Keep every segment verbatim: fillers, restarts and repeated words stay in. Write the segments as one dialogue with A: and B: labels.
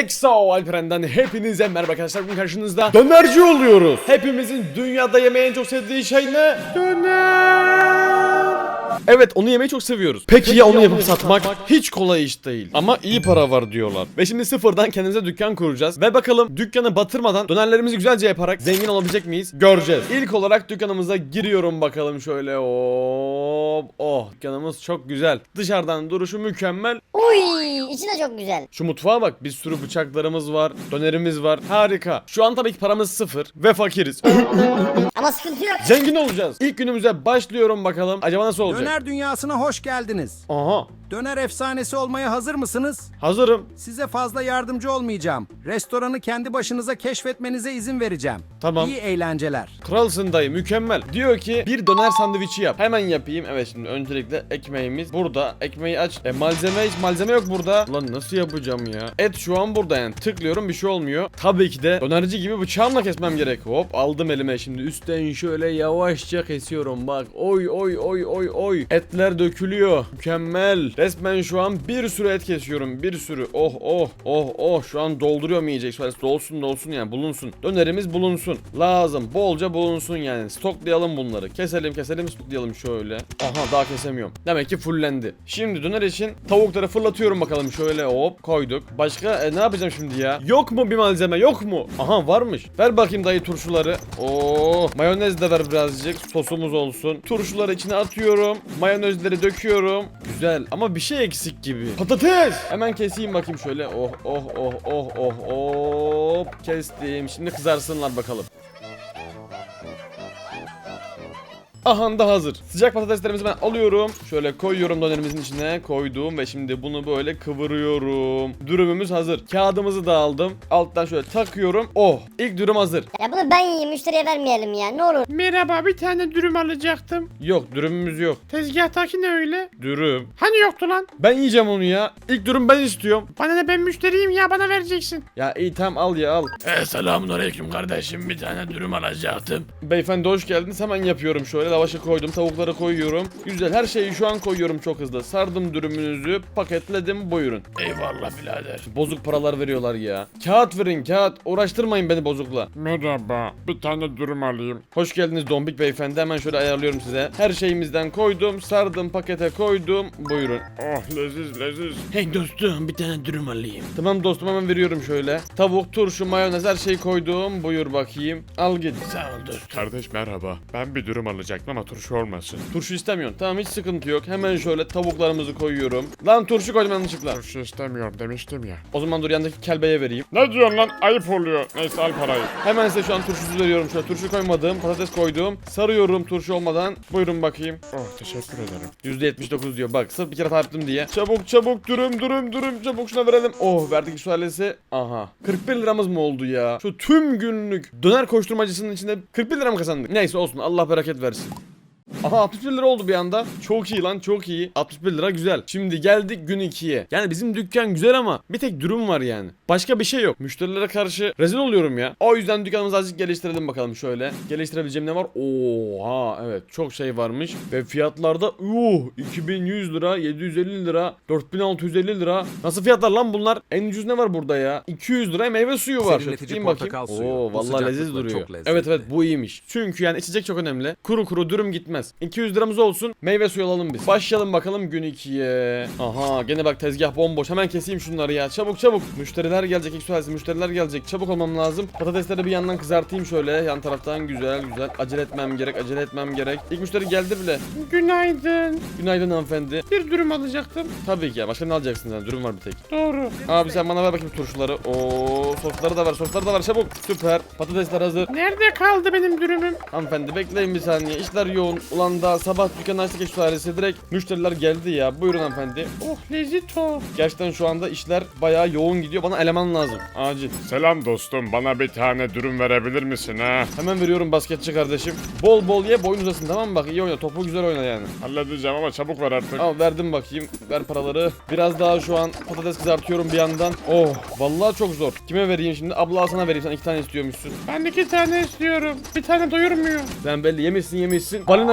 A: Exo Alperen'den hepinize merhaba arkadaşlar. Bugün karşınızda dönerci oluyoruz. Hepimizin dünyada yemeği en çok sevdiği şey ne? Döner. Evet, onu yemeyi çok seviyoruz. Peki, Peki ya onu yapıp satmak? satmak hiç kolay iş değil. Ama iyi para var diyorlar. Ve şimdi sıfırdan kendimize dükkan kuracağız. Ve bakalım dükkanı batırmadan dönerlerimizi güzelce yaparak zengin olabilecek miyiz? Göreceğiz. İlk olarak dükkanımıza giriyorum bakalım şöyle. Hop. Oh, dükkanımız çok güzel. Dışarıdan duruşu mükemmel.
B: Uy, içi de çok güzel.
A: Şu mutfağa bak, bir sürü bıçaklarımız var, dönerimiz var. Harika. Şu an tabii ki paramız sıfır ve fakiriz.
B: Ama sıkıntı yok.
A: Zengin olacağız. İlk günümüze başlıyorum bakalım. Acaba nasıl olacak?
C: Döner dünyasına hoş geldiniz.
A: Aha.
C: Döner efsanesi olmaya hazır mısınız?
A: Hazırım.
C: Size fazla yardımcı olmayacağım. Restoranı kendi başınıza keşfetmenize izin vereceğim.
A: Tamam.
C: İyi eğlenceler.
A: Kralsın dayı, mükemmel. Diyor ki bir döner sandviçi yap. Hemen yapayım. Evet, şimdi öncelikle ekmeğimiz burada. Ekmeği aç. E malzeme hiç malzeme yok burada. Lan nasıl yapacağım ya? Et şu an burada yani. Tıklıyorum, bir şey olmuyor. Tabii ki de dönerci gibi bıçağımla kesmem gerek. Hop, aldım elime şimdi. Üstten şöyle yavaşça kesiyorum bak. Oy oy oy oy oy. Etler dökülüyor. Mükemmel. Resmen şu an bir sürü et kesiyorum. Bir sürü. Oh oh oh oh. Şu an dolduruyorum yiyecek. Şöyle dolsun dolsun yani, bulunsun. Dönerimiz bulunsun. Lazım. Bolca bulunsun yani. Stoklayalım bunları. Keselim keselim stoklayalım şöyle. Aha, daha kesemiyorum. Demek ki fullendi. Şimdi döner için tavukları fırlatıyorum bakalım şöyle, hop koyduk. Başka e, ne yapacağım şimdi ya? Yok mu bir malzeme, yok mu? Aha, varmış. Ver bakayım dayı turşuları. Oo, mayonez de ver birazcık. Sosumuz olsun. Turşuları içine atıyorum. Mayonezleri döküyorum. Güzel ama bir şey eksik gibi. Patates. Hemen keseyim bakayım şöyle. Oh oh oh oh oh oh. Kestim. Şimdi kızarsınlar bakalım. Aha da hazır. Sıcak patateslerimizi ben alıyorum. Şöyle koyuyorum dönerimizin içine. Koydum ve şimdi bunu böyle kıvırıyorum. Dürümümüz hazır. Kağıdımızı da aldım. Alttan şöyle takıyorum. Oh, ilk dürüm hazır.
B: Ya bunu ben yiyeyim, müşteriye vermeyelim ya, ne olur.
D: Merhaba, bir tane dürüm alacaktım.
A: Yok, dürümümüz yok.
D: Tezgahtaki ne öyle?
A: Dürüm.
D: Hani yoktu lan?
A: Ben yiyeceğim onu ya. İlk dürüm ben istiyorum.
D: Bana ne, ben müşteriyim ya, bana vereceksin.
A: Ya iyi, tamam al ya, al.
E: E, selamun aleyküm kardeşim, bir tane dürüm alacaktım.
A: Beyefendi hoş geldiniz. Hemen yapıyorum şöyle. Lavaşı koydum, tavukları koyuyorum. Güzel, her şeyi şu an koyuyorum çok hızlı. Sardım dürümünüzü, paketledim, buyurun.
E: Eyvallah birader.
A: Bozuk paralar veriyorlar ya. Kağıt verin, kağıt. Uğraştırmayın beni bozukla.
D: Merhaba, bir tane dürüm alayım.
A: Hoş geldiniz Dombik beyefendi. Hemen şöyle ayarlıyorum size. Her şeyimizden koydum, sardım, pakete koydum. Buyurun.
D: Oh, leziz leziz.
E: Hey dostum, bir tane dürüm alayım.
A: Tamam dostum, hemen veriyorum şöyle. Tavuk, turşu, mayonez, her şeyi koydum. Buyur bakayım. Al git.
E: Sağ ol dostum.
D: Kardeş merhaba, ben bir dürüm alacaktım ama turşu olmasın.
A: Turşu istemiyorsun. Tamam, hiç sıkıntı yok. Hemen şöyle tavuklarımızı koyuyorum. Lan turşu koydum yanlışlıkla.
D: Turşu istemiyorum demiştim ya.
A: O zaman dur, yandaki kelbeye vereyim.
D: Ne diyorsun lan, ayıp oluyor. Neyse, al parayı.
A: Hemen size şu an turşusu veriyorum. Şöyle turşu koymadım, patates koydum. Sarıyorum turşu olmadan. Buyurun bakayım.
D: Oh, teşekkür ederim.
A: yüzde yetmiş dokuz diyor. Bak, sırf bir kere tarttım diye. Çabuk çabuk dürüm dürüm dürüm çabuk şuna verelim. Oh, verdik şu ailesi. Aha. kırk bir liramız mı oldu ya? Şu tüm günlük döner koşturmacısının içinde kırk bir lira mı kazandık? Neyse olsun, Allah bereket versin. Aha, altmış bir lira oldu bir anda. Çok iyi lan, çok iyi. altmış bir lira güzel. Şimdi geldik gün ikiye. Yani bizim dükkan güzel ama bir tek dürüm var yani. Başka bir şey yok. Müşterilere karşı rezil oluyorum ya. O yüzden dükkanımızı azıcık geliştirelim bakalım şöyle. Geliştirebileceğim ne var? Oha, evet, çok şey varmış. Ve fiyatlarda uh iki bin yüz lira, yedi yüz elli lira, dört bin altı yüz elli lira. Nasıl fiyatlar lan bunlar? En ucuz ne var burada ya? iki yüz liraya meyve suyu var. Şöyle tutayım bakayım. Oo, vallahi leziz duruyor. Evet evet, bu iyiymiş. Çünkü yani içecek çok önemli. Kuru kuru dürüm gitmez. iki yüz liramız olsun. Meyve suyu alalım biz. Başlayalım bakalım gün ikiye. Aha, gene bak tezgah bomboş. Hemen keseyim şunları ya. Çabuk çabuk. Müşteriler gelecek. İlk sualesi müşteriler gelecek. Çabuk olmam lazım. Patatesleri bir yandan kızartayım şöyle. Yan taraftan güzel güzel. Acele etmem gerek. Acele etmem gerek. İlk müşteri geldi bile.
D: Günaydın.
A: Günaydın hanımefendi.
D: Bir dürüm alacaktım.
A: Tabii ki ya. Başka ne alacaksın sen? Dürüm var bir tek.
D: Doğru.
A: Abi sen bana ver bakayım turşuları. Oo, sosları da var. Sosları da var. Çabuk. Süper. Patatesler hazır.
D: Nerede kaldı benim dürümüm?
A: Hanımefendi bekleyin bir saniye. İşler yoğun. Ulan daha sabah dükkanı açtık şu ailesi. Direkt müşteriler geldi ya. Buyurun hanımefendi.
D: Oh, lezito.
A: Gerçekten şu anda işler bayağı yoğun gidiyor. Bana eleman lazım. Acil.
D: Selam dostum, bana bir tane dürüm verebilir misin ha?
A: Hemen veriyorum basketçi kardeşim. Bol bol ye, boyun uzasın, tamam mı? Bak, iyi oyna. Topu güzel oyna yani.
D: Halledeceğim ama çabuk ver artık.
A: Al, verdim bakayım. Ver paraları. Biraz daha şu an patates kızartıyorum bir yandan. Oh, vallahi çok zor. Kime vereyim şimdi? Abla sana vereyim. Sen iki tane istiyormuşsun.
D: Ben iki tane istiyorum. Bir tane doyurmuyor.
A: Sen belli yemişsin yemişsin. Balina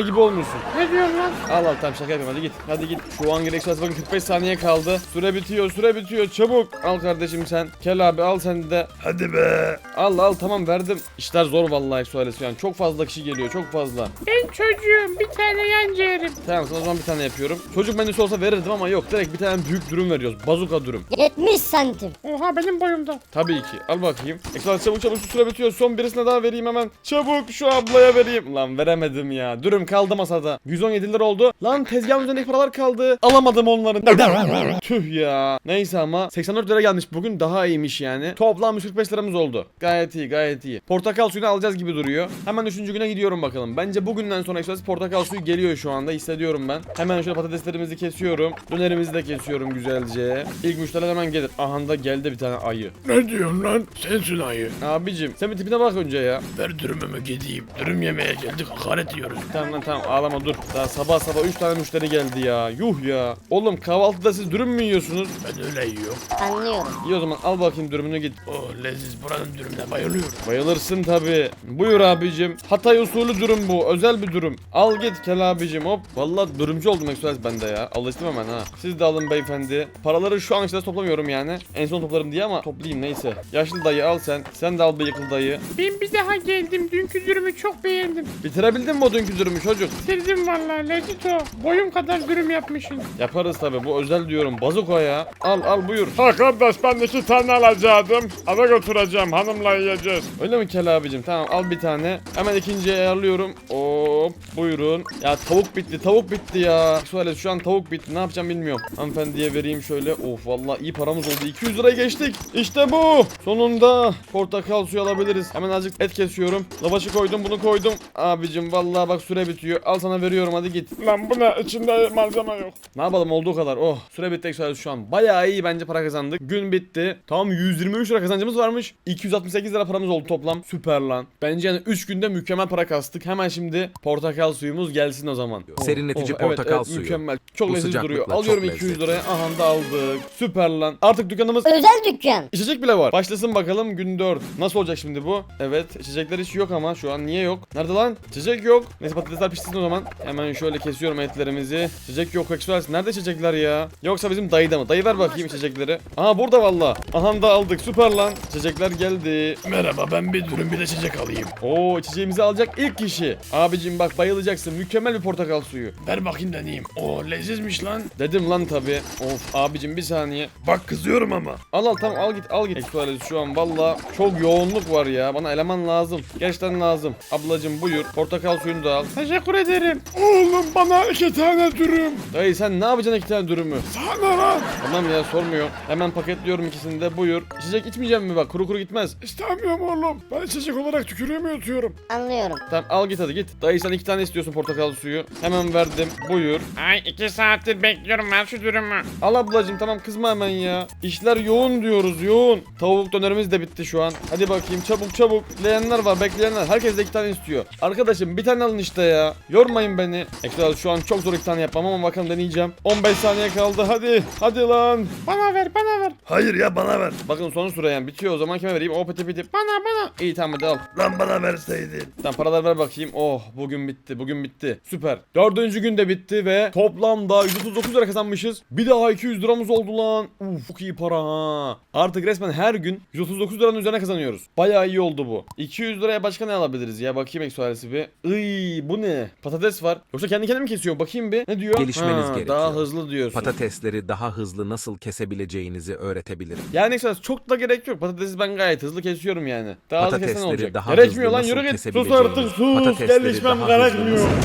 A: gibi olmuşsun.
E: Ne diyorsun lan?
A: Al al tamam şaka yapayım hadi git. Hadi git. Şu an gereksiz bakın kırk beş saniye kaldı. Süre bitiyor süre bitiyor çabuk. Al kardeşim sen. Kel abi al sen de.
D: Hadi be.
A: Al al tamam verdim. İşler zor vallahi söylesi yani. Çok fazla kişi geliyor çok fazla.
E: Ben çocuğum bir tane yan ciğerim.
A: Tamam sana o zaman bir tane yapıyorum. Çocuk menüsü olsa verirdim ama yok. Direkt bir tane büyük dürüm veriyoruz. Bazuka dürüm.
B: yetmiş santim.
E: Oha benim boyumda.
A: Tabii ki. Al bakayım. Ekstra çabuk çabuk şu süre bitiyor. Son birisine daha vereyim hemen. Çabuk şu ablaya vereyim. Lan veremedim ya. Dürüm kaldı masada. yüz on yedi lira oldu. Lan tezgahın üzerindeki paralar kaldı. Alamadım onların. Tüh ya. Neyse ama seksen dört lira gelmiş bugün. Daha iyiymiş yani. Toplam yüz kırk beş liramız oldu. Gayet iyi gayet iyi. Portakal suyunu alacağız gibi duruyor. Hemen üçüncü güne gidiyorum bakalım. Bence bugünden sonra ekstra portakal suyu geliyor şu anda. Hissediyorum ben. Hemen şöyle patateslerimizi kesiyorum. Dönerimizi de kesiyorum güzelce. İlk müşteriler hemen gelir. Aha da geldi bir tane ayı.
E: Ne diyorsun lan? Sensin ayı.
A: Abicim sen bir tipine bak önce ya.
E: Ver dürümümü gideyim. Dürüm yemeye geldik hakaret yiyoruz.
A: Tamam lan tamam ağlama dur. Daha sabah sabah üç tane müşteri geldi ya. Yuh ya. Oğlum kahvaltıda siz dürüm mü yiyorsunuz?
E: Ben öyle yiyorum.
B: Anlıyorum.
A: İyi o zaman al bakayım dürümünü git.
E: Oh leziz buranın dürümüne bayılıyorum.
A: Bayılırsın tabi. Buyur abicim. Hatay usulü dürüm bu. Özel bir dürüm. Al git Kel abicim hop. Vallahi dürümcü oldum Express bende ya. Alıştım hemen ha. Siz de alın beyefendi. Paraları şu an işte toplamıyorum yani. En son toplarım diye ama toplayayım neyse. Yaşlı dayı al sen. Sen de al bıyıklı dayı.
E: Ben bir daha geldim. Dünkü dürümü çok beğendim.
A: Bitirebildin mi o dünkü dürümü çocuk?
E: Bitirdim vallahi lezzet o. Boyum kadar dürüm yapmışsın.
A: Yaparız tabi. Bu özel diyorum. Bazuko ya. Al al buyur.
D: Ha kardeş ben iki tane alacaktım. Eve götüreceğim hanımla yiyeceğiz.
A: Öyle mi Kel abicim? Tamam al bir tane. Hemen ikinciye ayarlıyorum. Hop buyurun. Ya tavuk bitti tavuk bitti ya. Şöyle şu an tavuk bitti ne yapacağım bilmiyorum. Hanımefendiye vereyim şöyle. Of vallahi iyi paramız oldu. iki yüz liraya geçtik. İşte bu. Sonunda portakal suyu alabiliriz. Hemen azıcık et kesiyorum. Lavaşı koydum bunu koydum. Abicim vallahi bak süre bitiyor. Al sana veriyorum hadi git.
D: Lan bu ne içinde malzeme yok.
A: Ne yapalım olduğu kadar. Oh süre bitti Express şu an. Bayağı iyi bence para kazandık. Gün bitti. Tam yüz yirmi üç lira kazancımız varmış. iki yüz altmış sekiz lira paramız oldu toplam. Süper lan. Bence yani üç günde mükemmel para kastık. Hemen şimdi portakal suyumuz gelsin o zaman.
C: Serinletici
A: Oh, evet,
C: portakal
A: evet,
C: suyu.
A: Mükemmel. Çok
C: Bu
A: lezzetli
C: sıcaklıkla
A: duruyor.
C: çok
A: Alıyorum iki yüz
C: lezzetli.
A: liraya. Aha da aldık. Süper lan. Artık dükkanımız
B: Özel dükkan.
A: İçecek bile var. Başlasın bakalım gün dört. Nasıl olacak şimdi bu? Evet içecekler hiç yok ama şu an niye yok? Nerede lan? İçecek yok. Neyse patatesler pişsin o zaman. Hemen şöyle kesiyorum etlerimizi. İçecek yok Express. Nerede içecekler ya? Yoksa bizim dayıda mı? Dayı ver bakayım içecekleri. Aha burada valla. Aha da aldık. Süper lan. İçecekler geldi.
E: Merhaba ben bir dürüm bir de içecek alayım.
A: Oo içeceğimizi alacak ilk kişi. Abicim bak bayılacaksın. Mükemmel bir portakal suyu.
E: Ver bakayım deneyeyim. Oo lezizmiş lan.
A: Dedim lan tabi. Of abicim bir saniye.
D: Bak kızıyorum ama.
A: Al al tamam al git al git. Express şu an valla çok yoğunluk var ya. Bana eleman lazım. Gerçekten lazım. Ablacım buyur. Portakal suyunu da al.
E: Teşekkür ederim.
D: Oğlum bana iki tane dürüm.
A: Dayı sen ne yapacaksın iki tane dürümü?
D: Sana lan.
A: Tamam ya sormuyor. Hemen paketliyorum ikisini de buyur. İçecek içmeyeceğim mi bak kuru kuru gitmez.
D: İstemiyorum oğlum. Ben içecek olarak tükürüğümü yutuyorum.
B: Anlıyorum.
A: Tamam al git hadi git. Dayı sen iki tane istiyorsun portakal suyu. Hemen verdim buyur.
E: Ay iki saattir bekliyorum ben şu dürümü.
A: Al ablacım tamam kızma hemen ya. İşler yoğun diyoruz yoğun. Tavuk dönerimiz de bitti şu an. Hadi bakayım çabuk çabuk. Bekleyenler var bekleyenler. Herkes de iki tane istiyor. Arkadaşım bir tane alın işte ya. Yormayın beni. Ekler şu an çok zor iki tane yapmam ama bakalım deneyeceğim. on beş saniye kaldı hadi. Hadi lan.
E: Bana ver bana ver.
D: Hayır ya bana ver.
A: Bakın son süre yani bitiyor o zaman kime vereyim? O piti piti.
E: Bana bana.
A: İyi tamam hadi al.
D: Lan bana verseydin.
A: Tamam paralar ver bakayım. Oh bugün bitti bugün bitti. Süper. Dördüncü gün de bitti ve toplamda yüz otuz dokuz lira kazanmışız. Bir daha iki yüz liramız oldu lan. Uf çok iyi para ha. Artık resmen her gün yüz otuz dokuz liranın üzerine kazanıyoruz. Bayağı iyi oldu bu. iki yüz liraya başka ne alabiliriz ya? Bakayım eksualesi bir. Iy bu ne? Patates var. Yoksa kendi kendine mi kesiyor? Bakayım bir. Ne diyor?
C: Gelişmeniz
A: Ha,
C: gerekiyor.
A: Daha hızlı diyorsun.
C: Patatesleri daha hızlı nasıl kesebileceğinizi öğretebilirim.
A: Yani eksualesi çok da gerek yok. Patatesi ben gayet hızlı kesiyorum yani. Daha hızlı kesen
C: Patatesleri
A: olacak.
C: daha
A: Gerekmiyor
C: hızlı
A: lan yürü
C: nasıl
A: git. Sus
C: kesebileceğini,
A: artık sus.
C: patatesleri
A: Gelişmem
C: daha hızlı
A: gerekmiyor.
C: nasıl-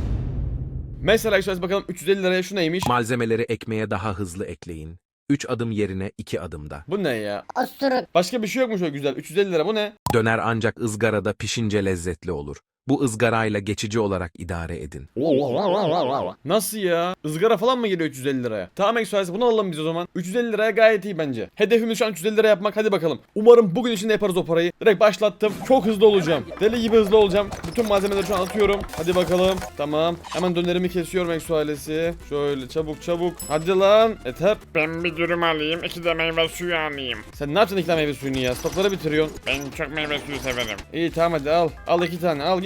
A: Mesela eksualesi bakalım üç yüz elli liraya şu neymiş?
C: Malzemeleri ekmeğe daha hızlı ekleyin. üç adım yerine iki adımda.
A: Bu ne ya?
B: Osturuk.
A: Başka bir şey yok mu şöyle güzel? üç yüz elli lira bu ne?
C: Döner ancak ızgarada pişince lezzetli olur. Bu ızgarayla geçici olarak idare edin.
A: Nasıl ya? Izgara falan mı geliyor üç yüz elli liraya? Tamam eksualesi bunu alalım biz o zaman. üç yüz elli liraya gayet iyi bence. Hedefimiz şu an üç yüz elli lira yapmak. Hadi bakalım. Umarım bugün içinde yaparız o parayı. Direkt başlattım. Çok hızlı olacağım. Deli gibi hızlı olacağım. Bütün malzemeleri şu an atıyorum. Hadi bakalım. Tamam. Hemen dönerimi kesiyorum eksualesi. Şöyle çabuk çabuk. Hadi lan. Yeter.
D: Ben bir dürüm alayım, iki de meyve suyu alayım.
A: Sen ne yapacaksın iki tane meyve suyunu ya? Stokları bitiriyorsun.
D: Ben çok meyve suyu severim.
A: İyi tamam hadi al. Al iki tane al git.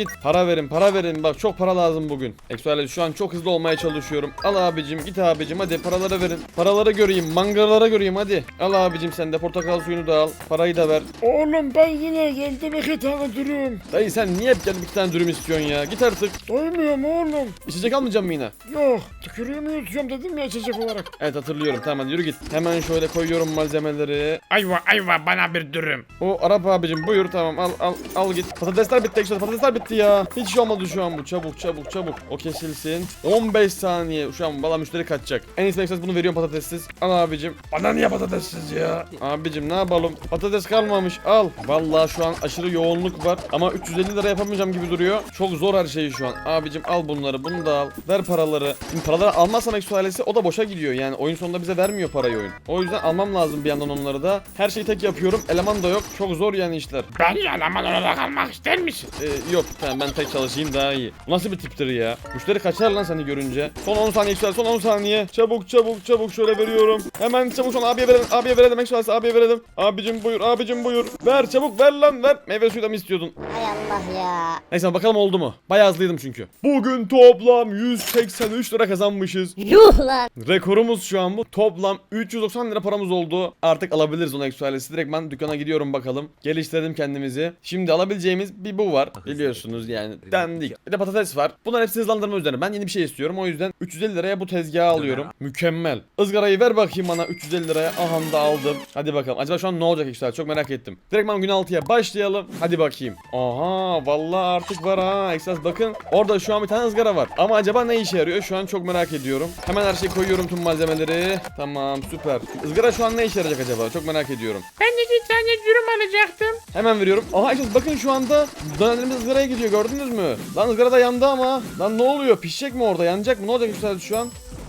A: git. Para verin para verin bak çok para lazım bugün. Eksuale şu an çok hızlı olmaya çalışıyorum. Al abicim git abicim hadi paraları verin. Paraları göreyim mangalara göreyim hadi. Al abicim sen de portakal suyunu da al. Parayı da ver.
D: Oğlum ben yine geldim iki tane dürüm.
A: Dayı sen niye hep gelip iki tane dürüm istiyorsun ya? Git artık.
D: Doymuyorum oğlum.
A: İçecek almayacağım mı yine?
D: Yok tükürüğümü yutuyorum dedim ya içecek olarak.
A: Evet hatırlıyorum tamam hadi yürü git. Hemen şöyle koyuyorum malzemeleri.
E: Ayva ayva bana bir dürüm.
A: O Arap abicim buyur tamam al al al git. Patatesler bitti ekşi patatesler bitti ya. Hiç şey olmadı şu an bu çabuk çabuk çabuk. O kesilsin. on beş saniye şu an valla müşteri kaçacak. En iyisi ekşi bunu veriyorum patatessiz. Al abicim.
E: Bana niye patatessiz ya?
A: Abicim ne yapalım? Patates kalmamış al. Vallahi şu an aşırı yoğunluk var. Ama üç yüz elli lira yapamayacağım gibi duruyor. Çok zor her şey şu an. Abicim al bunları bunu da al. Ver paraları. Şimdi paraları almazsam ekşi ailesi o da boşa gidiyor. Yani oyun sonunda bize vermiyor parayı oyun. O yüzden almam lazım bir yandan onları da. Her şeyi tek yapıyorum. Eleman da yok. Çok zor yani işler.
E: Ben yalaman olarak almak ister misin?
A: Ee, yok tamam ben tek çalışayım daha iyi. Bu nasıl bir tiptir ya? Müşteri kaçar lan seni görünce. Son on saniye ekşi son on saniye. Çabuk çabuk çabuk şöyle veriyorum. Hemen çabuk son abiye verelim. Abiye verelim ekşi ailesi abiye verelim. Abicim buyur abicim buyur. Ver çabuk ver lan ver. Meyve suyu da mı istiyordun?
B: Hay Allah ya.
A: Neyse bakalım oldu mu? Bayağı hızlıydım çünkü. Bugün toplam yüz seksen üç lira kazanmışız.
B: Yuh lan.
A: Rekorumuz şu an bu. Toplam üç yüz doksan lira paramız oldu. Artık alabiliriz onu ekşi ailesi. Direkt ben dükkana gidiyorum bakalım. Geliştirdim kendimizi. Şimdi alabileceğimiz bir bu var. Biliyorsunuz yani dandik. Bir de patates var. Bunlar hepsi hızlandırma üzerine. Ben yeni bir şey istiyorum. O yüzden üç yüz elli liraya bu tezgahı alıyorum. Mükemmel. Izgarayı ver bakayım bana üç yüz elli liraya. Aha da aldım. Hadi bakalım. Acaba şu an ne olacak ekşi ailesi? Çok merak ettim. Direkt ben gün altıya başlayalım. Hadi bakayım. Aha vallahi artık var ha. Ekşi ailesi bakın. Orada şu an bir tane ızgara var. Ama acaba ne işe yarıyor? Şu an çok merak ediyorum. Hemen her şeyi koyuyorum tüm malzemeleri. Tamam süper. Izgara şu an ne işe yarayacak acaba? Çok merak ediyorum.
E: Ben de bir tane dürüm alacaktım.
A: Hemen veriyorum. Aha işte bakın şu anda dönerimiz ızgaraya gidiyor gördünüz mü? Lan ızgara da yandı ama. Lan ne oluyor? Pişecek mi orada? Yanacak mı? Ne olacak yükseldi şu an?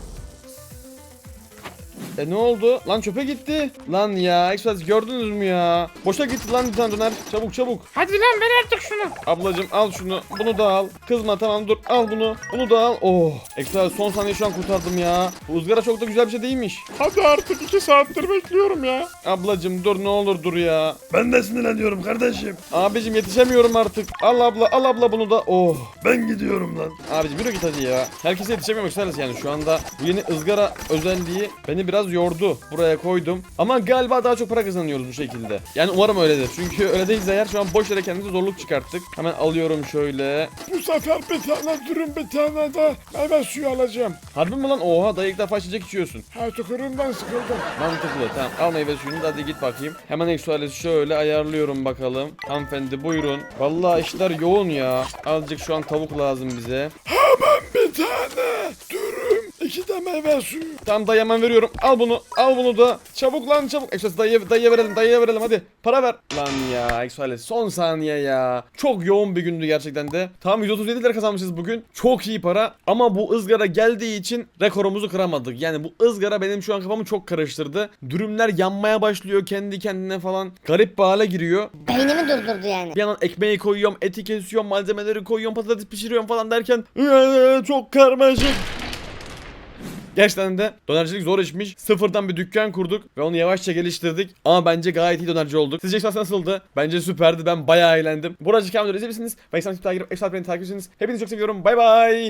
A: E ne oldu? Lan çöpe gitti. Lan ya Express gördünüz mü ya? Boşa gitti lan bir tane döner. Çabuk çabuk.
E: Hadi lan ver artık şunu.
A: Ablacım al şunu. Bunu da al. Kızma tamam dur. Al bunu. Bunu da al. Oh. Express son saniye şu an kurtardım ya. Bu ızgara çok da güzel bir şey değilmiş.
D: Hadi artık iki saattir bekliyorum ya.
A: Ablacım dur ne olur dur ya.
E: Ben de sinirleniyorum kardeşim.
A: Abicim yetişemiyorum artık. Al abla al abla bunu da. Oh.
E: Ben gidiyorum lan.
A: Abicim yürü git hadi ya. Herkese yetişemiyorum Express yani şu anda. Bu yeni ızgara özelliği beni biraz yordu. Buraya koydum. Ama galiba daha çok para kazanıyoruz bu şekilde. Yani umarım öyledir. Çünkü öyle değilse eğer şu an boş yere kendimize zorluk çıkarttık. Hemen alıyorum şöyle.
D: Bu sefer bir tane dürüm bir tane de meyve suyu alacağım.
A: Harbi mi lan? Oha dayı ilk defa içecek içiyorsun.
D: Her tükürüğümden sıkıldım.
A: Mantıklı. Tamam al meyve suyunu da hadi git bakayım. Hemen eksualesi şöyle ayarlıyorum bakalım. Hanımefendi buyurun. Vallahi işler yoğun ya. Azıcık şu an tavuk lazım bize.
D: Bir tane dürüm, iki de meyve suyu.
A: Tamam dayı hemen veriyorum. Al bunu. Al bunu da. Çabuk lan çabuk. Eksualesi dayıya, dayıya verelim. Dayıya verelim hadi. Para ver. Lan ya eksualesi son saniye ya. Çok yoğun bir gündü gerçekten de. Tam yüz otuz yedi lira kazanmışız bugün. Çok iyi para. Ama bu ızgara geldiği için rekorumuzu kıramadık. Yani bu ızgara benim şu an kafamı çok karıştırdı. Dürümler yanmaya başlıyor kendi kendine falan. Garip bir hale giriyor.
B: Beynimi durdurdu yani.
A: Bir yandan ekmeği koyuyorum, eti kesiyorum, malzemeleri koyuyorum, patates pişiriyorum falan derken "Iıı, çok karmaşık. Gerçekten de dönercilik zor işmiş. Sıfırdan bir dükkan kurduk ve onu yavaşça geliştirdik. Ama bence gayet iyi dönerci olduk. Sizce esas nasıldı? Bence süperdi. Ben bayağı eğlendim. Buracık kamera izleyebilirsiniz. Ve ekstrem takip edip ekstrem beni takip edersiniz. Hepinizi çok seviyorum. Bay bay.